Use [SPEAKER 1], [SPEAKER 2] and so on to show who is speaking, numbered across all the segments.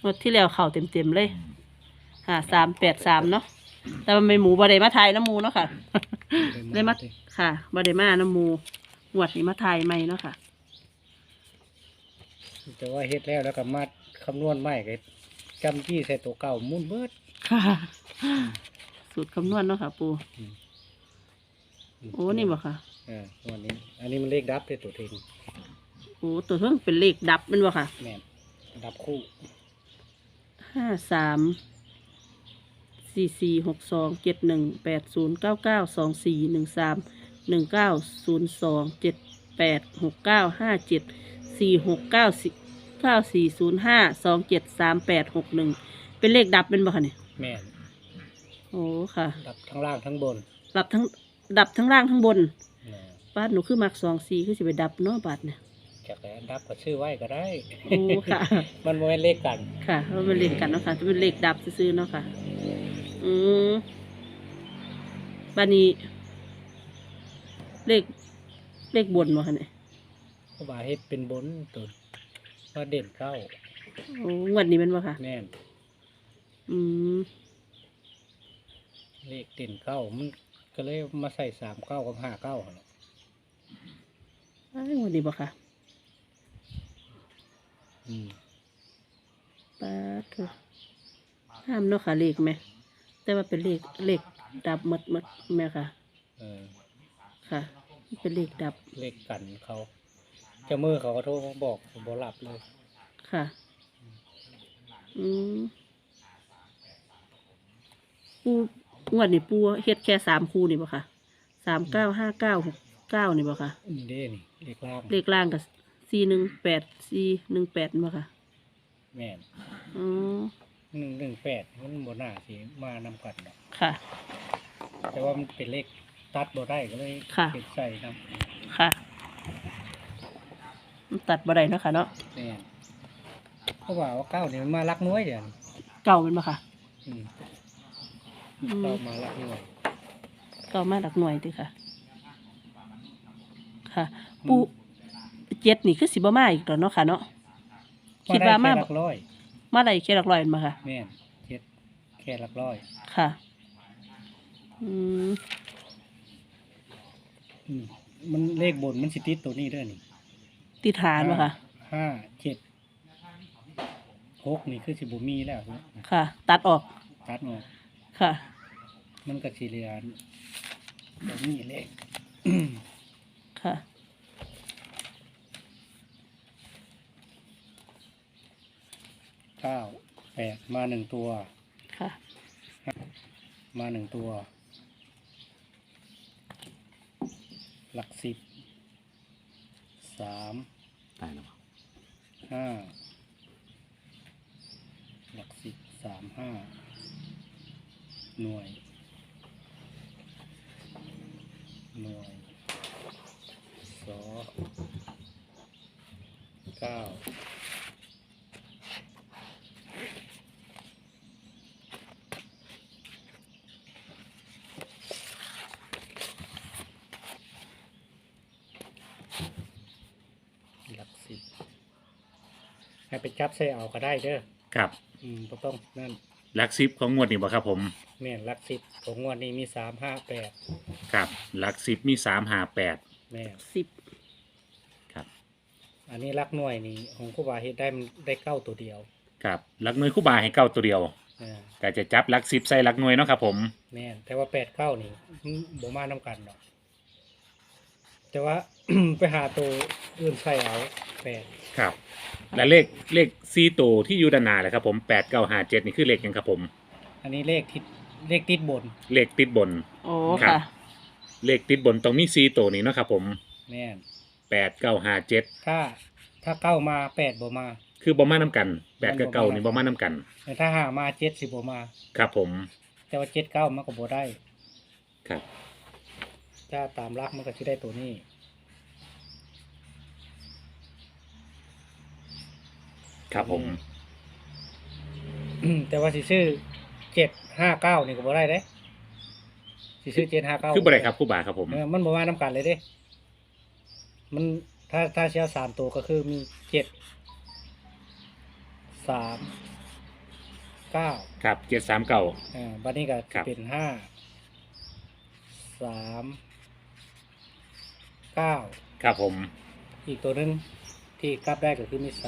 [SPEAKER 1] งวดที่แล้วเข่าเต็มเลย5383เนาะแต่มันไม่หมูบะเดมาไทยน้ำหมูเนาะค่ะ ได้มาค่ะบะเดมาน้ำหมูงวดนี้มาไทยใหม่เนาะค่ะ
[SPEAKER 2] แต่ว่าเฮ็ดแล้วก็มาคำนวณใหม่ก็จำจี้ใส่ตัวเก่ามุ่นเบิด
[SPEAKER 1] ค่ะ สูตรคำนวณเนาะค่ะ ปูโอ้นี่บ่ค่ะ
[SPEAKER 2] วันนี้ อันนี้มันเลขดับเลยตัวเทง
[SPEAKER 1] โอ้ตัวเพิ่งเป็นเลขดับแมันบ่ค่ะ
[SPEAKER 2] แม่นดับคู่
[SPEAKER 1] 5462718219024194699405273861เป็นเลขดับเป็นบ่ค่ะเนี่ย
[SPEAKER 2] แม่น
[SPEAKER 1] โอ้ค่ะ
[SPEAKER 2] ดับทั้งล่างทั้งบน
[SPEAKER 1] ดับทั้งล่างทั้งบน
[SPEAKER 2] แม่น
[SPEAKER 1] บาทหนูคือมัก24คือสิไปดับเนาะบาทเนี่ย
[SPEAKER 2] จากแล้วดับก็ชื่อไว้ก็ได้
[SPEAKER 1] โอ้ค่ะ
[SPEAKER 2] มันบ่แม่นเลขกัน
[SPEAKER 1] ค่ะเพราะมันเลขกันเนาะค่ะจะเป็นเลขดับซื้อๆเนาะค่ะ บานี้เลขบนมาค่ะเนี่ย
[SPEAKER 2] เพราะว่าเฮ็ดเป็นบนตัวว่าเด่นเก้า
[SPEAKER 1] โอ้งวดนี้เป็นบ่ค่ะ
[SPEAKER 2] แม่น
[SPEAKER 1] อืม
[SPEAKER 2] เลขเด่นเก้ามันก็เลยมาใส่39กับ59หั่นน่ะ
[SPEAKER 1] อ้ายงวดนี้บ่ค่ะ
[SPEAKER 2] อืม
[SPEAKER 1] ป้าดเถอะห้ามเนาะค่ะเลขไหมแต่ว่าเป็นเลขดับหมดแม่ค่ะ
[SPEAKER 2] เออ
[SPEAKER 1] ค่ะ เป็นเลขดับ
[SPEAKER 2] เลขกันเขาเจ้ามือเขาก็โทรมาบอกผมบ่รับเลย
[SPEAKER 1] ค่ะ อืมปูงวดนี้ปูเฮ็ดแค่3คู่นี่บ่ค่ะ395969นี่บ่ค่ะ
[SPEAKER 2] นี่เด้นี่เลขล่าง
[SPEAKER 1] เลขล่างกับ418418บ่ค่ะ
[SPEAKER 2] แม่น
[SPEAKER 1] อ๋อ
[SPEAKER 2] 118มันบ่น่าสิมานำกันดอก
[SPEAKER 1] ค่ะ
[SPEAKER 2] แต่ว่ามันเป็นเลขตัดบ่ได้ก็เลย
[SPEAKER 1] ค่ะ
[SPEAKER 2] เก็บใส่นำ
[SPEAKER 1] ค่ะมันตัดบ่ได้เนาะค่ะเนาะ
[SPEAKER 2] แม่นเพราะว่าเก้านี่มันมาลักน้อยเดี๋ยวนี้
[SPEAKER 1] เก่าเป็นบ่ค่ะ
[SPEAKER 2] อืม
[SPEAKER 1] อืม
[SPEAKER 2] เก้ามาลักน้อย
[SPEAKER 1] เก่ามาหลักหน่วยติค่ะ ค่ะปูเจ็ดนี่คือสิบ่มาอีกแล้วเนาะค่ะเนาะ คิดว่ามา
[SPEAKER 2] แค่หลักร้อย
[SPEAKER 1] มาได้แค่หลักร้อยมาค่ะ
[SPEAKER 2] แม่นเจ็ดแค่หลักร้อย
[SPEAKER 1] ค่ะ อืม
[SPEAKER 2] อืมมันเลขบนมันสิติดตัวนี้ด้วยนี่
[SPEAKER 1] ติดหารบ่ค่ะ
[SPEAKER 2] 5 7 6นี่คือสิบ่มีแล้วนะ
[SPEAKER 1] ค่ะ ตัดออก
[SPEAKER 2] ตัดออก
[SPEAKER 1] ค่ะ
[SPEAKER 2] มันก็สิเหลือแบบนี้เลข
[SPEAKER 1] ค่ะ
[SPEAKER 2] 9 8มา1ตัว
[SPEAKER 1] ค่ะ
[SPEAKER 2] มา1ตัว หลัก10 3
[SPEAKER 3] ตายแล้ว
[SPEAKER 2] 5หลัก10 3 5หน่วยสอ9หลัก10ให้ไปจับใส่เอาก็ได้เด้อ
[SPEAKER 3] ครับ
[SPEAKER 2] บ่ต้องนั่น
[SPEAKER 3] หลักซิปของงวดนี้บ่ครับผม
[SPEAKER 2] แม่นหลัก10ของงวดนี้มี3 5 8
[SPEAKER 3] ครับหลักซิปมี358
[SPEAKER 2] แม่น
[SPEAKER 1] 10
[SPEAKER 3] ครับ
[SPEAKER 2] อันนี้หลักหน่วยนี่ของครูบาเฮ็ดได้มันได้เก้าตัวเดียว
[SPEAKER 3] ครับหลักหน่วยคู่บาให้เก้าตัวเดียว
[SPEAKER 2] อ่า
[SPEAKER 3] แต่จะจับหลักซิปใส่หลักหน่วยเนาะครับผม
[SPEAKER 2] แม่นแต่ว่า8 9นี่บ่มานํกันดอกแต่ว่า ไปหาตัวอื่นใส่เอา8
[SPEAKER 3] ครับ และเลข4ตัวที่อยู่ด้านหน้าเลยครับผม8957นี่คือเลขหยังครับผม
[SPEAKER 2] อันนี้เลขติดบน
[SPEAKER 3] เลขติดบน
[SPEAKER 1] โอ้
[SPEAKER 3] ครับ
[SPEAKER 1] ค่ะ
[SPEAKER 3] เลขติดบนต้องมี4ตัวนี้เนาะครับผม
[SPEAKER 2] แม่น
[SPEAKER 3] 8957
[SPEAKER 2] ถ้าเก้ามา8บ่มา
[SPEAKER 3] คือบ่มานํกัน8กับ9นี่บ่มานํกัน
[SPEAKER 2] แต่ถ้าหามา7สิบ่มา
[SPEAKER 3] ครับผม
[SPEAKER 2] แต่ว่า7 9มันก็บ่ได้
[SPEAKER 3] ครับ
[SPEAKER 2] ถ้าตามหลักมันก็สิได้ตัวนี้
[SPEAKER 3] ครับผม
[SPEAKER 2] แต่ว่าสิซื้อ759นี่ก็บ่ได้เด้สิซื้อ759
[SPEAKER 3] คือบ่ได้ครับคู่บาครับผม
[SPEAKER 2] มันบ่มานํกันเลยเด้ มันถ้าเชียว3ตัวก็คือมี7 3 9
[SPEAKER 3] ครับ739
[SPEAKER 2] บัดนี้ก็
[SPEAKER 3] ครับ
[SPEAKER 2] เป็น5 3 9
[SPEAKER 3] ครับผม
[SPEAKER 2] อีกตัวหนึงที่กลับได้ก็คือมี3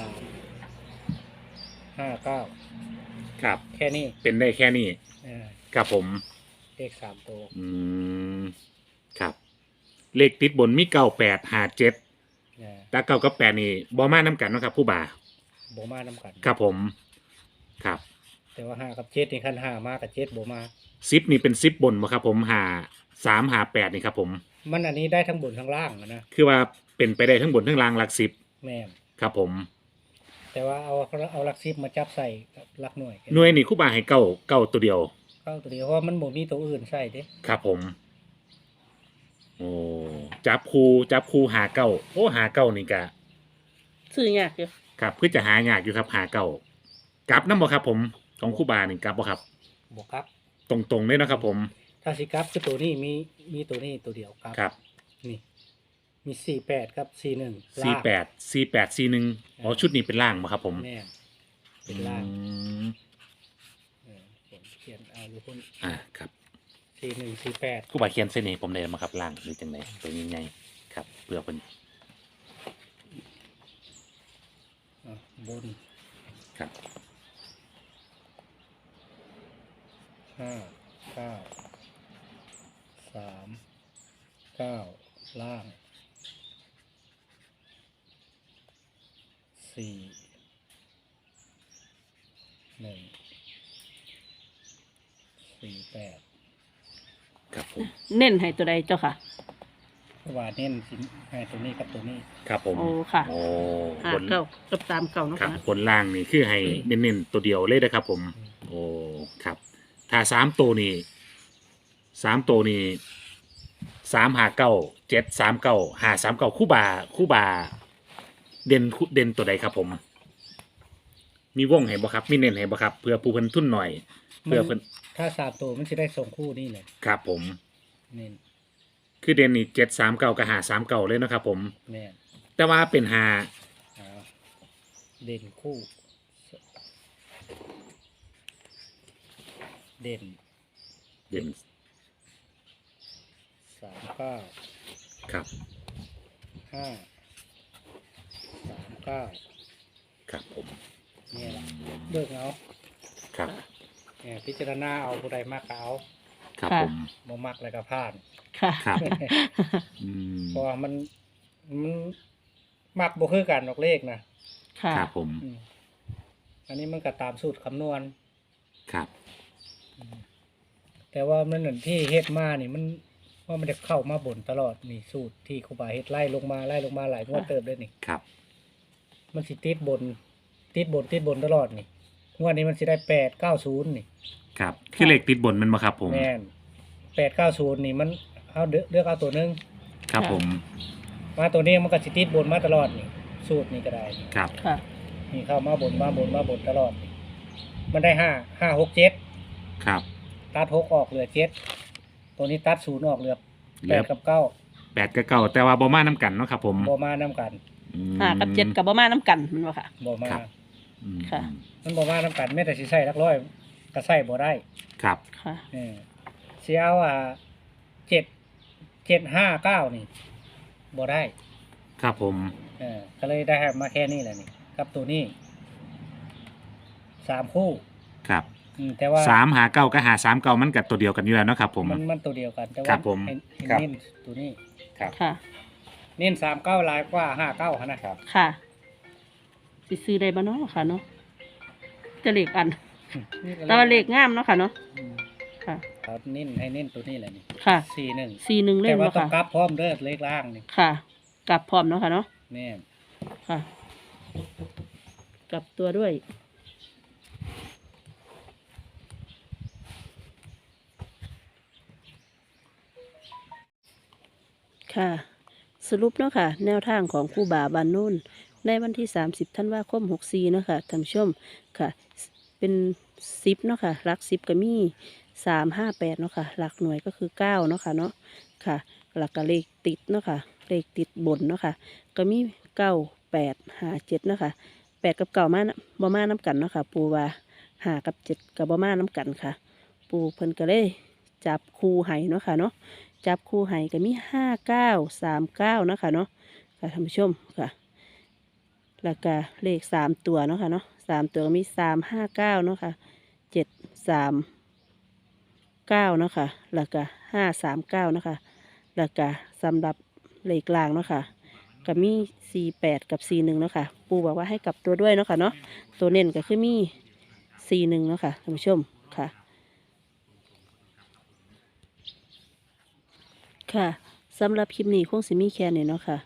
[SPEAKER 2] 5 9
[SPEAKER 3] ครับ
[SPEAKER 2] แค่นี้
[SPEAKER 3] เป็นได้แค่นี้
[SPEAKER 2] เออ
[SPEAKER 3] ครับผม
[SPEAKER 2] เลข3ตัว
[SPEAKER 3] อืมครับ เลขติดบนมี9857
[SPEAKER 2] เออ
[SPEAKER 3] แต่9กับ8นี่บ่มานํกันเนาะครับผู้บ่า
[SPEAKER 2] บ่มานํกัน
[SPEAKER 3] ครับผมครับ
[SPEAKER 2] แต่ว่า5กับ7นี่คัน5มากับ7บ่มา
[SPEAKER 3] 10นี่เป็น10บนบ่ครับผม3 5 8นี่ครับผม
[SPEAKER 2] มันอันนี้ได้ทั้งบนทั้งล่างอะนะ
[SPEAKER 3] คือว่าเป็นไปได้ทั้งบนทั้งล่างหลัก10
[SPEAKER 2] แม่น
[SPEAKER 3] ครับผม
[SPEAKER 2] แต่ว่าเอาหลัก10มาจับใส่กับหลักหน่วย
[SPEAKER 3] หน่วยนี่ครูบาให้เก้าตัวเดียว
[SPEAKER 2] เข้าตัวเดียวเพราะว่ามันบ่มีตัวอื่นใส่เด้
[SPEAKER 3] ครับผม โอ้จับคูหาเก้าโอ้หาเก้านี่กะ
[SPEAKER 1] ซื้อยากอยู่
[SPEAKER 3] ครับเพื่อจะหายากอยู่ครับหาเก้ากลับน้ำบ่ครับผมของครูบานี่กลับบ่ครับ
[SPEAKER 2] บ่ครับ
[SPEAKER 3] ตรงๆเลยเนาะครับผม
[SPEAKER 2] ถ้าสิกลับคือตัวนี้มีตัวนี้ตัวเดียวครับ
[SPEAKER 3] ครับ
[SPEAKER 2] นี่มี48ครับ41ล่าง
[SPEAKER 3] 4841อ๋อชุดนี้เป็นล่างบ่ครับผม
[SPEAKER 2] แม่นเป็นล่าง
[SPEAKER 3] อืม
[SPEAKER 2] ผมเขียนเอาอยู่คน
[SPEAKER 3] ครับ
[SPEAKER 2] 4148
[SPEAKER 3] ครูบาเขียนเส้นนี้ผมได้มาครับล่างหรือจังไดตัวนี้ไงครับเพื่อเพิ่น
[SPEAKER 2] บน
[SPEAKER 3] ครับ
[SPEAKER 2] 5 9 3 9ล่าง 4 1 4 8
[SPEAKER 3] ครับผม
[SPEAKER 1] เน้นให้ตัวใดเจ้าค่ะ
[SPEAKER 2] เพราะว่าเน้นสิให้ตัวนี้กับตัวนี้
[SPEAKER 3] ครับผม
[SPEAKER 1] โอ้ค่ะ
[SPEAKER 3] โอ้
[SPEAKER 1] ห้า
[SPEAKER 3] บน
[SPEAKER 1] เก้ากับ3 9เนาะ
[SPEAKER 3] ครับ
[SPEAKER 1] ค่ะ
[SPEAKER 3] บนล่างนี่คือให้เน้นๆตัวเดียวเลยนะครับผม โอ้ครับถ้า3 ตัวนี่3 ตัวนี่359 739 539คู่บาเด่นตัวใดครับผม มีวงให้บ่ครับมีเน้นให้บ่ครับเพื่อผู้เพิ่นทุนหน่อย เพื่อเพิ่น
[SPEAKER 2] ถ้า3ตัวมันจะได้ส่งคู่นี่เลย
[SPEAKER 3] ครับผม
[SPEAKER 2] เน้น
[SPEAKER 3] คือเด่นนี่739กับ539เลยนะครับผม
[SPEAKER 2] แม่น
[SPEAKER 3] แต่ว่าเป็น5
[SPEAKER 2] อ่าเด่นคู่ เด่น
[SPEAKER 3] เด่น
[SPEAKER 2] 39
[SPEAKER 3] ครับ
[SPEAKER 2] 5 39
[SPEAKER 3] ครับผม
[SPEAKER 2] เนี่ยแหละเลือกเอา
[SPEAKER 3] ครับ
[SPEAKER 2] เนี่ยพิจารณาเอาผู้ใดมากก็เอา
[SPEAKER 3] ครับ
[SPEAKER 1] ค่ะ
[SPEAKER 3] ผม
[SPEAKER 2] บ่มักแล้วก็ผ่าน
[SPEAKER 1] ค่ะ
[SPEAKER 3] ครับอืม
[SPEAKER 2] เพราะว่ามันมักบ่คือกันดอกเลขนะ
[SPEAKER 1] ค่ะ
[SPEAKER 3] ครับผม
[SPEAKER 2] อืมอันนี้มันก็ตามสูตรคำนวณ
[SPEAKER 3] ครับ
[SPEAKER 2] แต่ว่ามันนั่นที่เฮ็ดมานี่มันว่ามันจะเข้ามาบนตลอดนี่สูตรที่ครูบาเฮ็ดไล่ลงมาหลายงวดเติบเลยนี่
[SPEAKER 3] ครับ
[SPEAKER 2] มันสิติดบนตลอดนี่งวดนี้มันสิได้890นี่
[SPEAKER 3] ครับคือเลขติดบนมันมาครับผม
[SPEAKER 2] แม่น890นี่มันเอาเลือกเอาตัวหนึง
[SPEAKER 3] ครับผม
[SPEAKER 2] มาตัวนี้มันก็สิติดบนมาตลอดนี่สูตรนี้ก็ได้นี่
[SPEAKER 3] ครับ
[SPEAKER 1] ค่ะ
[SPEAKER 2] นี่เข้ามาบนตลอดนี่มันได้5 6 7
[SPEAKER 3] ครับ
[SPEAKER 2] ตัด6ออกเหลือ7ตัวนี้ตัด0ออกเหลือ
[SPEAKER 3] เหลือ
[SPEAKER 2] 8กับ9
[SPEAKER 3] 8กับ9แต่ว่าบ่มาน้ำกันเนาะครับผม
[SPEAKER 2] บ่มานํกัน
[SPEAKER 3] อืม
[SPEAKER 1] 5กับ7กับบ่มาน้ำกันแมันบ่ค่ะ
[SPEAKER 2] บ่มา
[SPEAKER 3] ครับ อืม
[SPEAKER 1] ค่ะ
[SPEAKER 2] มันบ่มานํกันแม้แต่สิใช้หลักร้อยก็ใช้บ่ได้
[SPEAKER 3] ครับ
[SPEAKER 1] ค่ะ
[SPEAKER 2] สิเอา759นี่บ่ได้
[SPEAKER 3] ครับผม
[SPEAKER 2] ก็เลยได้มาแค่นี้แหละนี่กับตัวนี้3คู่
[SPEAKER 3] ครับ
[SPEAKER 2] แต่ว่า
[SPEAKER 3] 3 5 9กับ5 3 9มันกับตัวเดียวกันอยู่แล้วเนาะครับผม
[SPEAKER 2] มันตัวเดียวกันแต่
[SPEAKER 3] ครั
[SPEAKER 2] ว่า
[SPEAKER 3] บผม
[SPEAKER 2] ให้
[SPEAKER 3] ครับ
[SPEAKER 2] เน้นตัวนี้
[SPEAKER 3] ครับ
[SPEAKER 1] ค่ะ
[SPEAKER 2] เน้น39หลายกว่า59หั่นนะครับ
[SPEAKER 1] ค่ะสิซื้อได้บ่เนาะค่ะเนาะจะเลขอัน แต่ว่าเลขงามเนาะค่ะเนาะ
[SPEAKER 2] อืม
[SPEAKER 1] ค่ะ
[SPEAKER 2] เอาเน้นให้เน้นตัวนี้แหละนี่
[SPEAKER 1] ค่ะ
[SPEAKER 2] 41
[SPEAKER 1] 41เล่
[SPEAKER 2] แต่
[SPEAKER 1] ม
[SPEAKER 2] ว่า
[SPEAKER 1] เนาะ
[SPEAKER 2] ต้อง
[SPEAKER 1] ค่ะ
[SPEAKER 2] กลับพร้อมเด้อเลขล่างนี่
[SPEAKER 1] ค่ะ กลับพร้อมเนาะค่ะเนาะ
[SPEAKER 2] แม่น
[SPEAKER 1] ค่ะ กลับตัวด้วย ค่ะ สรุปเนาะค่ะ แนวทางของครูบาบานนุ่นในวันที่ 30 ธันวาคม 64เนาะค่ะท่านผู้ชมค่ะ เป็น10เนาะค่ะหลัก10ก็มี358เนาะค่ะหลักหน่วยก็คือ9เนาะค่ะเนาะค่ะหลักก็เลขติดเนาะค่ะเลขติดบนเนาะค่ะก็มี9 8 5 7เนาะค่ะ8กับ9มาบ่มาน้ำกันเนาะค่ะปูว่าหากับเจ็ดกับบ่มาน้กันค่ะ ปูเพิ่นก็เลยจับคู่ไห้เนาะค่ะเนาะจับคู่ไห้ก็มี5939เนาะค่ะเนาะค่ะท่านผู้ชมค่ะแล้วก็เลข3 ตัวเนาะค่ะเนาะ3 ตัวก็มี359เนาะค่ะ739เนาะค่ะแล้วก็539เนาะค่ะแล้วก็สำหรับเลขกลางเนาะค่ะก็มี48กับ41เนาะค่ะปูบอกว่าให้กลับตัวด้วยเนาะค่ะเนาะตัวเน้นก็คือมี41เนาะค่ะท่านผู้ชมค่ะ ค่ะสำหรับคลิปนี้คงสิมีแค่นี้เนาะค่ะ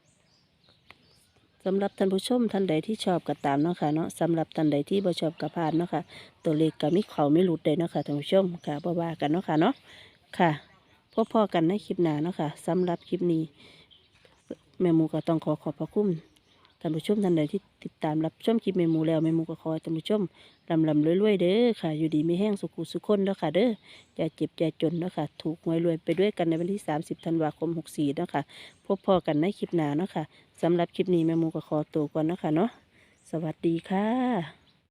[SPEAKER 1] สำหรับท่านผู้ชมท่านใดที่ชอบก็ตามเนาะค่ะเนาะสำหรับท่านใดที่บ่ชอบก็ผ่านเนาะค่ะตัวเลขก็มีเขาไม่หลุดเลยเนาะค่ะท่านผู้ชมค่ะบ่ว่ากันเนาะค่ะเนาะค่ะพอๆกันในคลิปหน้าเนาะค่ะสำหรับคลิปนี้แม่หมูก็ต้องขอพระคุณท่านผู้ชมท่านใดที่ติดตามรับชมคลิปแม่หมูแล้วแม่หมูก็ขอให้ท่านผู้ชมลำรวยๆเด้อค่ะอยู่ดีไม่แห้งสุขุสุขคนเด้อค่ะเด้ออย่าเจ็บอย่าจนเนาะค่ะถูกหวยรวยไปด้วยกันในวันที่30ธันวาคม64เนาะค่ะพบพอกันในคลิปหน้าเนาะค่ะสำหรับคลิปนี้แม่หมูก็ขอตัวก่อนเนาะค่ะเนาะสวัสดีค่ะ